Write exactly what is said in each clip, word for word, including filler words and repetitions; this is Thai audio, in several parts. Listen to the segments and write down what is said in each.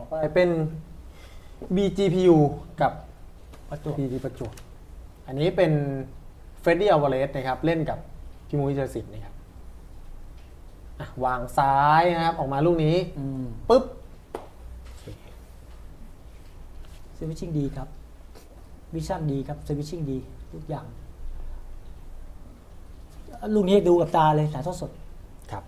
ไปเป็น บี จี พี ยู กับประจวบพี ที ประจวบอันนี้เป็นเฟรดดี้อัลวาเรสนะครับเล่นกับพี่มุ้ยเจริญศิลป์นะครับวางซ้ายนะครับออกมาลูกนี้ปุ๊บสวิตชิ่งดีครับวิชั่นดีครับสวิตชิ่งดีทุกอย่างลูกนี้ดูกับตาเลยถ่ายทอดสดครับ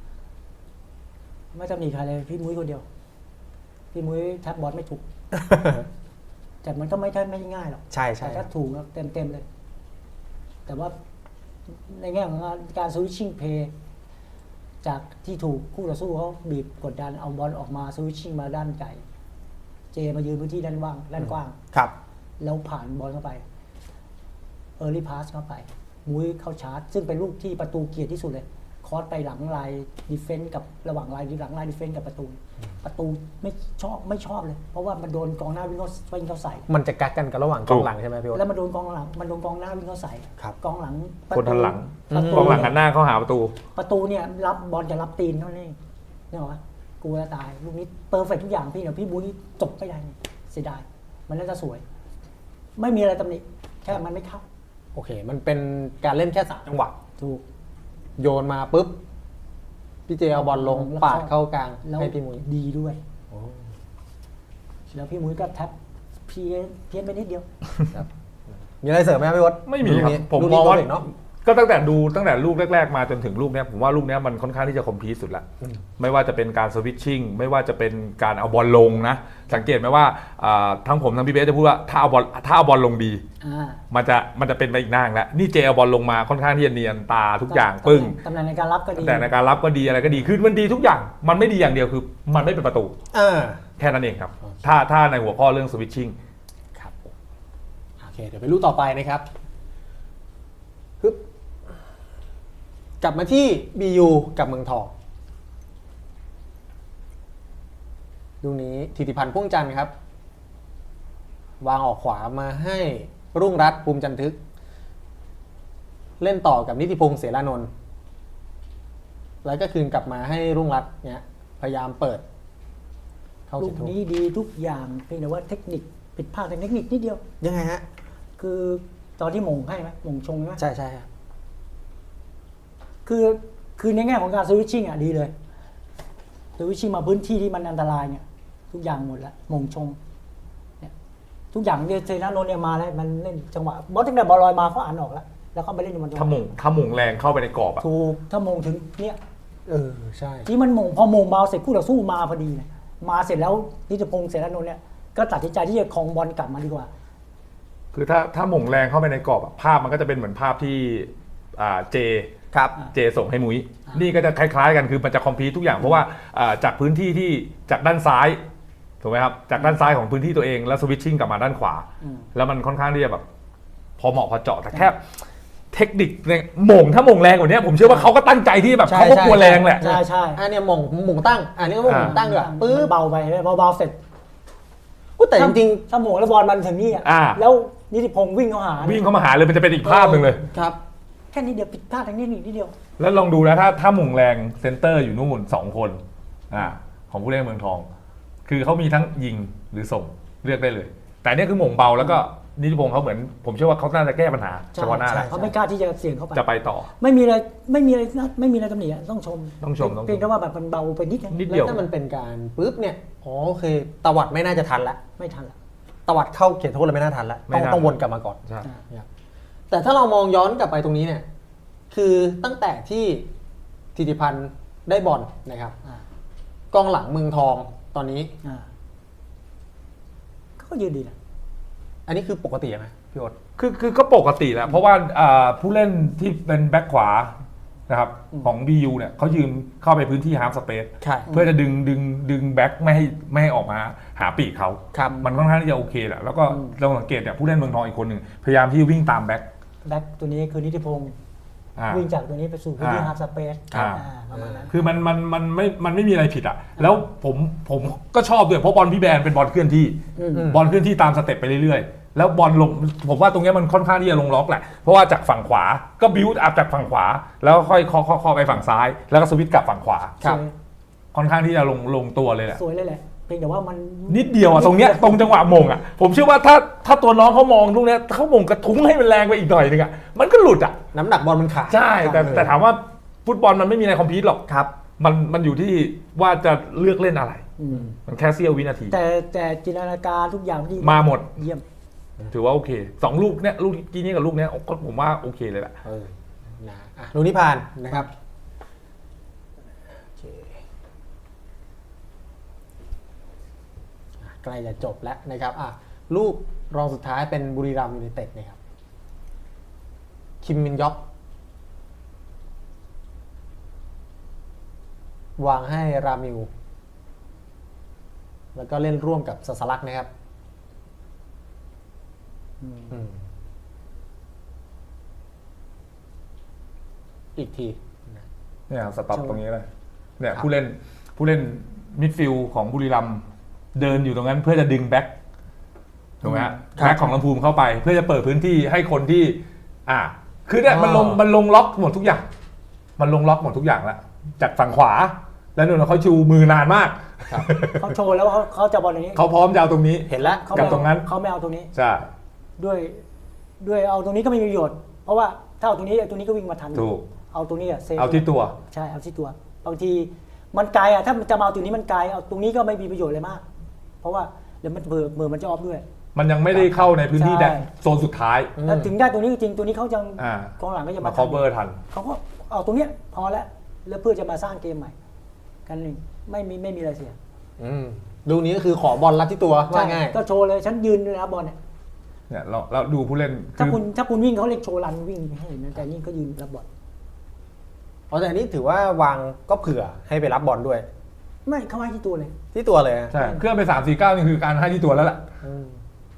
ไม่ต้องมีใครเลยพี่มุ้ยคนเดียวพี่มุ้ยแท็บบอลไม่ถูก แต่มันก็ไม่ใช่ไม่ง่ายหรอกใช่ใช่แต่ถ้าถูกเต็มเต็มๆเลย แต่ว่าในแง่ของการสวิตชิ่งเพย์จากที่ถูกคู่ต่อสู้เขาบีบกดดันเอาบอลออกมาสวิตชิ่งมาด้านไกลเจมายืนพื้นที่ด้านว่างด้านกว้างครับแล้วผ่านบอลเข้าไปเออร์ลี่พาสเข้าไปมุ้ยเข้าชาร์จซึ่งเป็นลูกที่ประตูเกียรติที่สุดเลยคอสไปหลังลายดิเฟนต์กับระหว่างลายหลังลายดิเฟนต์กับประตู ประตูไม่ชอบไม่ชอบเลย เพราะว่ามันโดนกองหน้าวิ่งเข้าวิ่งเข้าใส่มันจะกักกันกับระหว่างกองหลังใช่ไหมพี่โอ๊ตแล้วมันโดนกองหลังมันโดนกองหน้าวิ่งเข้าใาใส่ครับกองหลังคนทันหลังประตูกองหลังหันหน้าเข้าหาประตูประตูเนี่ยรับบอลจะรับตีนเท่านั้นเองนี่หรอวะกูจะตายลูกนี้เปอร์เฟกทุกอย่างพี่เดี๋ยวพี่บุ้ยจบไม่ได้เสียดายมันน่าจะสวย ไม่มีอะไรตำหนิแค่มันไม่เข้าโอเค มันเป็นการเล่นแค่สามจังหวะถูกโยนมาปุ๊บพี่เจเอาบอลลงแล้วปาดเข้ากลางแล้วให้พี่มุ้ยดีด้วยแล้วพี่มุ้ยก็แท็บเพี้ยนเพี้ยนไปนิดเดียวมีอะไรเสริมไหมครับพี่โอ๊ตไม่มีครับลูกนี้ผมลูกมนี้องว่าตัวเด็กเนาะก็ตั้งแต่ดูตั้งแต่ลูกแรกๆมาจนถึงลูกเนี้ยผมว่าลูกเนี้ยมันค่อนข้างที่จะคอมพลีทสุดละไม่ว่าจะเป็นการสวิตชิ่งไม่ว่าจะเป็นการเอาบอลลงนะสังเกตไหมว่าอ่าทั้งผมทั้งพี่เบสจะพูดว่าถ้าเอาบอลถ้าเอาบอลลงดีอ่ามันจะมันจะเป็นไปอีกหน้าแล้วนี่เจเอาบอลลงมาค่อนข้างที่จะเนียนตาทุกอย่างปึ้งตำแหน่งในการรับก็ดีแต่ในการรับก็ดีอะไรก็ดีคือมันดีทุกอย่างมันไม่ดีอย่างเดียวคือมันไม่เป็นประตูอ่าแค่นั้นเองครับถ้าถ้าในหัวข้อเรื่องสวิตชิ่งครับโอเคเดี๋ยวไปลูกต่อไปนะครับฮึบกลับมาที่ บี ยู กับเมืองทองลูกนี้ธิติพันธ์พ่วงจันทร์ครับ วางออกขวามาให้รุ่งรัตน์ภูมิจันทึก เล่นต่อกับนิติพงษ์เสรานนท์แล้วก็คืนกลับมาให้รุ่งรัตน์เนี่ยพยายามเปิด เข้าลูเขกตโทษนี้ดีทุกอย่างเพียงแต่ว่าเทคนิคผิดพลาดทางเทคนิคนิดเดียวยังไงฮะคือตอนที่มงให้ไหมมงชงใช่ไหมใช่ใช่ครับคือคือในแง่ของการสวิตชิ่งอ่ะดีเลยสวิตชิ่งมาพื้นที่ที่มันอันตรายเนี่ยทุกอย่างหมดแล้วมงชงเนี่ยทุกอย่างเนี่ยเซนาโนเนี่ยมาแล้วมันเล่นจังหวะบอลตั้งแต่บอลลอยมาเขาอ่านออกแล้วแล้วเขาไปเล่นอยู่บนจังหถ้าวะหมงถ้าหมงแรงเข้าไปในกรอบอะถูกถ้ามงถึงเนี่ยเออใช่ที่มันมงพอมงเบาเสร็จคู่ต่อสู้มาพอดีเนี่ยมาเสร็จแล้วนิติพงษ์เสรานนท์เนี่ยก็ตัดสินใจที่จะครองบอลกลับมาดีกว่าคือถ้าถ้าหมงแรงเข้าไปในกรอบอะภาพมันก็จะเป็นเหมือนภาพที่อ่าเจครับเจส่งให้มุ้ยนี่ก็จะคล้ายๆกันคือมันจะคอมพลีททุกอย่างเพราะว่าอ่าจากพื้นที่ที่จากด้านซ้ายถูกไหมครับจากด้านซ้ายของพื้นที่ตัวเองแล้วสวิตชิ่งกลับมาด้านขวาอืมแล้วมันค่อนข้างที่จะแบบพอเหมาะพอเจาะแต่แค่เทคนิคเนี่ยหมงถ้าหมงแรงกว่านี้ผมเชื่อว่าเขาก็ตั้งใจที่แบบใช่เขาก็ใช่กลัวแรงแหละใช่ใช่อันเนี้ยหมงหมงตั้งอันนี้ก็หมงอ่าตั้งด้วยปึ๊บเบาไปเบาๆเสร็จอุ๊ยแต่จริงถ้าโมงแล้วบอลมันถึงนี่อ่ะอ่าแล้วนิติพงษ์วิ่งเข้าหาวิ่งเข้ามาหาเลยมันจะเป็นอีกภาพหนึ่งเลยๆครับแค่นี้เดียวผิดพลาดทางนี้นิดเดียวแล้วลองดูนะถ้าถ้าหมงแรงเซนเตอร์อยู่นู่นสองคนอ่าของผู้เล่นเมืองทอง คือเขามีทั้งยิงหรือส่งเลือกได้เลย แต่เนี่ยคือหมงเบาแล้วก็นิติพงษ์เขาเหมือนผมเชื่อว่าเขาน่าจะแก้ปัญหาเฉพาะหน้าใช่แหละเขาไม่กล้าที่จะเสี่ยงเข้าไปจะไปต่อไม่มีอะไรไม่มีอะไรไม่มีอะไรตำหนิอะต้องชมต้องชมต้องชมเพียงแต่ว่าแบบมันเบาไปนิดนึงนิดแล้เดียววถ้ามันเป็นการปุ๊บเนี่ยอ๋อโอเคตวัดไม่น่าจะทันละไม่ทันละตวัดเข้าเขตโทษเลยไม่น่าทันละไม่ต้องน่าต้องวนกลับมาก่อนใช่นะครับแต่ถ้าเรามองย้อนกลับไปตรงนี้เนี่ยคือตั้งแต่ที่ธิติพันธ์ได้บอลนะครับอ่ากองหลังเมืองทองตอนนี้อ่าก็ยืนดีนะอันนี้คือปกติไหมพี่โอ๊ตคือคือก็ปกติแหละเพราะว่าอ่าผู้เล่นที่เป็นแบ็คขวานะครับของ บี ยู เนี่ยเขายืนเข้าไปพื้นที่ฮาล์ฟสเปซใช่เพื่อจะดึงดึงดึงแบ็คไม่ให้ไม่ให้ออกมาหาปีกเขาครับมันค่อนข้างที่จะโอเคแหละแล้วก็เราสังเกตเนี่ยผู้เล่นเมืองทองอีกคนหนึ่งพยายามที่วิ่งตามแบ็คแบ็คตัวนี้คือนิติพงษ์อ่าวิ่งจากตัวนี้ไปสู่พื้นที่อ่าฮาร์ฟสเปซอ่าประมาณนั้นคือมันมันมันไม่มันไม่มีอะไรผิดอ่ะแล้วผมผมก็ชอบด้วยเพราะบอลพี่แบนเป็นบอลเคลื่อนที่อืมบอลเคลื่อนที่ตามสเต็ปไปเรื่อยๆแล้วบอลลงผมว่าตรงเนี้ยมันค่อนข้างที่จะลงล็อกแหละเพราะว่าจากฝั่งขวาก็บิวต์อัพจากฝั่งขวา แล้วค่อยเคาะๆๆไปฝั่งซ้าย แล้วก็สวิตช์กลับฝั่งขวาครับสวยค่อนข้างที่จะลงลงตัวเลยแหละสวยเลยแหละเพียงแต่ว่ามันนิดเดียวอะตรงเนี้ยตรงจังหวะมงอะผมเชื่อว่าถ้าถ้าตัวน้องเขามองลูกเนี้ยเขามงกระทุ้งให้มันแรงไปอีกหน่อยนึงอะมันก็หลุดอะน้ำหนักบอลมันขาดใช่แต่แต่ถามว่าฟุตบอลมันไม่มีอะไรคอมพีทหรอกครับมันมันอยู่ที่ว่าจะเลือกเล่นอะไรอืมมันแค่เสี้ยววินาทีแต่แต่จินตนาการทุกอย่างที่มาหมดเยี่ยมถือว่าโอเคสองลูกเนี้ยลูกกี้นี้กับลูกเนี้ยก็ผมว่าโอเคเลยแหละเออนะอ่ะลูกนี้ผ่านนะครับโอเคอ่ะใกล้จะจบแล้วนะครับอ่ะลูกรองสุดท้ายเป็นบุรีรัมย์ยูไนเต็ดนะครับคิมมินยอกวางให้รามิว แล้วก็เล่นร่วมกับซาสลักนะครับอืมอีกทีนะเนี่ยสต็อปใช่ตรงนี้เลยเนี่ยครับผู้เล่นผู้เล่นมิดฟิลด์ของบุรีรัมย์เดินอยู่ตรงนั้นเพื่อจะดึงแบ็คถูกไหมฮะแบ็คของลำพูนเข้าไป เพื่อจะเปิดพื้นที่ให้คนที่ อ่า คือเนี่ยมันลงมันลงล็อกหมดทุกอย่าง มันลงล็อกหมดทุกอย่างแล้วจากฝั่งขวาแล้วนู่นเขาชูมือนานมากครับเขาโชว์แล้วเขาเขาจะบอลอย่างนี้เขาพร้อมจะเอาตรงนี้เห็นแล้วเขากับไม่ตรงนั้นเขาไม่เอาตรงนี้ใช่ด้วยด้วยเอาตรงนี้ก็ไม่มีประโยชน์ เพราะว่าถ้าเอาตรงนี้ไอ้ตรงนี้ก็วิ่งมาทันถูกเอาตรงนี้อะเซฟเอาที่ตัวใช่เอาที่ตัวบางทีมันไกลอะถ้ามันจะมาเอาตรงนี้มันไกลเอาตรงนี้ก็ไม่มีประโยชน์เลยมาก เพราะว่าเดี๋ยวมันเบอร์เบอร์มันจะออฟด้วยมันยังไม่ได้เข้าในพื้นที่ใช่แดนโซนสุดท้ายอืมแล้วถึงได้ตรงนี้จริงตัวนี้เขายังอ่ากองหลังก็จะมามาคอเวอร์ทันเขาก็เอาตรงเนี้ยพอแล้วแล้วเพื่อจะมาสร้างเกมใหม่กันเองไม่มีไม่มีอะไรเสียอืมลูกนี้ก็คือขอบอลรับที่ตัวว่าง่ายก็โชว์เลยฉันยืนเลยนะบอลเนี่ยเนี่ยเราเราดูผู้เล่นถ้าคือคุณถ้าคุณวิ่งเขาเรียกโชว์รันวิ่งให้เห็นนะแต่นี่ก็ยืนรับบอลอ๋อแต่อันนี้ถือว่าวางก็เผื่อให้ไปรับบอลด้วยไม่เขาให้ที่ตัวเลยที่ตัวเลยอะใช่เครื่องไปสามสี่เก้านี่คือการให้ที่ตัวแล้วล่ะอืม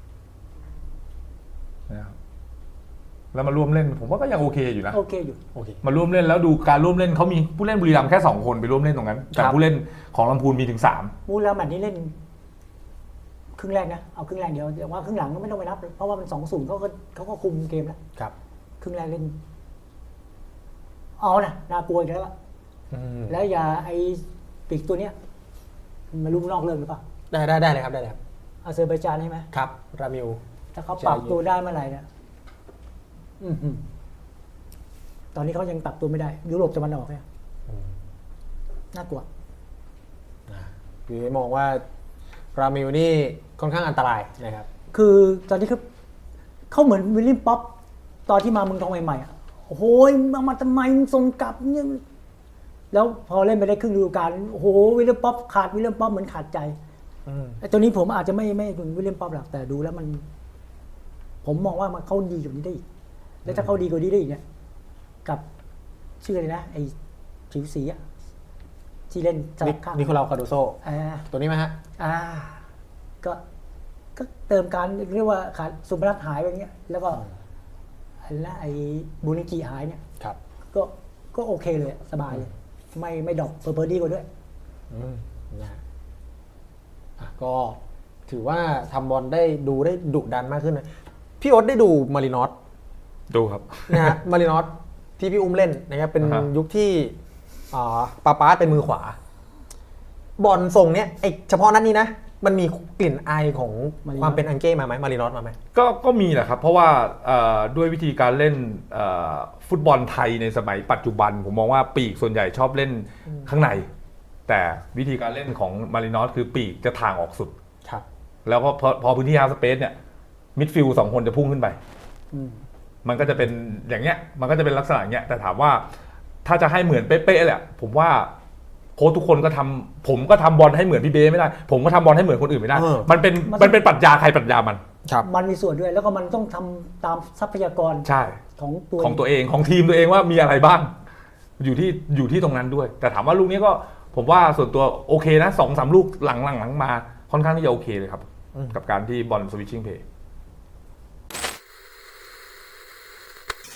นะครับแล้วมาร่วมเล่นผมว่าก็ยังโอเคอยู่นะโอเคอยู่โอเคมาร่วมเล่นแล้วดูการร่วมเล่นเขามีผู้เล่นบุรีรัมย์แค่สองคนไปร่วมเล่นตรงนั้นแต่ครับผู้เล่นของลำพูนมีถึงสามมูลแล้วแมตช์นี้เล่น ครึ่งแรกนะเอาครึ่งแรกเดียวแต่ว่าครึ่งหลังก็ไม่ต้องไปนับเพราะว่ามันสองศูนย์เขาก็เขาก็คุมเกมแล้วครับครึ่งแรกเล่นเอานะน่ากลัวอีกแล้วล่ะอืมแล้วอย่าไอ้ปีกตัวเนี้ยมันรู้นอกเรื่องหรือเปล่าได้ได้ได้เลยครับได้เลยครับอาเซอร์ไบจานใช่ไหมครับรามิวถ้าเขาปรับใช่ตัวได้เมื่อไหร่เนี่ยอื้อหือตอนนี้เขายังปรับตัวไม่ได้ ยุโรปตะวันออกเนี่ยอืมน่ากลัวคือมองว่ารามิวนี่ค่อนข้างอันตรายนะครับคือตอนนี้คือเขาเหมือนวิลเลียมป๊อปตอนที่มาเมืองทองใหม่ๆอ่ะโอ้โหมามาทำไมมึงส่งกลับเนี่ยแล้วพอเล่นไปได้ครึ่งฤดูกาลโอ้โหวิลเลียมป๊อปขาดวิลเลียมป๊อปเหมือนขาดใจอืมไอ้ตัวนี้ผมอาจจะไม่ไม่ถึงวิลเลียมป๊อปหรอกแต่ดูแล้วมัน ผมมองว่ามันเขาดีกว่านี้ได้อีกแล้วถ้าเขาดีกว่านี้ได้อีกเนี่ยกับชื่ออะไรนะไอ้ผิวสีอะที่เล่นสลับข้างนิโคลาคาโดโซอ่าตัวนี้ไหมฮะอ่าก็ก็เติมการเรียกว่าขาดสุพนัทหายไปอย่างเงี้ย แล้วก็ไอ้ละไอ้บูนิกิหายเนี่ยครับก็ก็โอเคเลยสบายเลย ไม่ไม่ดรอกเพอร์เพอร์ดีกว่าด้วยอืมนะฮะอ่ะก็ถือว่าทำบอลได้ดูได้ดุดันมากขึ้นนะพี่โอ๊ตได้ดูมารินอสดูครับนะฮะ มารินอสที่พี่อุ้มเล่นนะครับเป็นอ่าฮะยุคที่อ่าปาปาสเป็นมือขวา บอลทรงเนี้ยไอเฉพาะนัดนี้นะ มันมีกลิ่นอายของมารินอสความเป็นอังเก้มาไหมมารินอสมาไหมก็ก็มีแหละครับ เพราะว่าเอ่อด้วยวิธีการเล่นเอ่อฟุตบอลไทยในสมัยปัจจุบัน ผมมองว่าปีกส่วนใหญ่ชอบเล่นข้างใน แต่วิธีการเล่นของมารินอสคือปีกจะทางออกสุดครับแล้วพอพอพอพื้นที่ฮาร์สเปซเนี่ยมิดฟิลด์สองคนจะพุ่งขึ้นไปอืมมันก็จะเป็นอย่างเงี้ย มันก็จะเป็นลักษณะอย่างเงี้ย แต่ถามว่าถ้าจะให้เหมือนเป๊ะๆแหละ ผมว่าโค้ชทุกคนก็ทำผมก็ทำบอลให้เหมือนพี่เบ้ไม่ได้ ผมก็ทำบอลให้เหมือนคนอื่นไม่ได้เออมันเป็นมันเป็นปรัชญาใครปรัชญามันครับมันมีส่วนด้วย แล้วก็มันต้องทำตามทรัพยากรใช่ของตัวของตัวเองของทีมตัวเองว่ามีอะไรบ้าง อยู่ที่อยู่ที่ตรงนั้นด้วย แต่ถามว่าลูกนี้ก็ผมว่าส่วนตัวโอเคนะสองสามลูกหลังๆหลังมาค่อนข้างที่จะโอเคเลยครับอืมกับการที่บอลสวิตชิ่งเพย์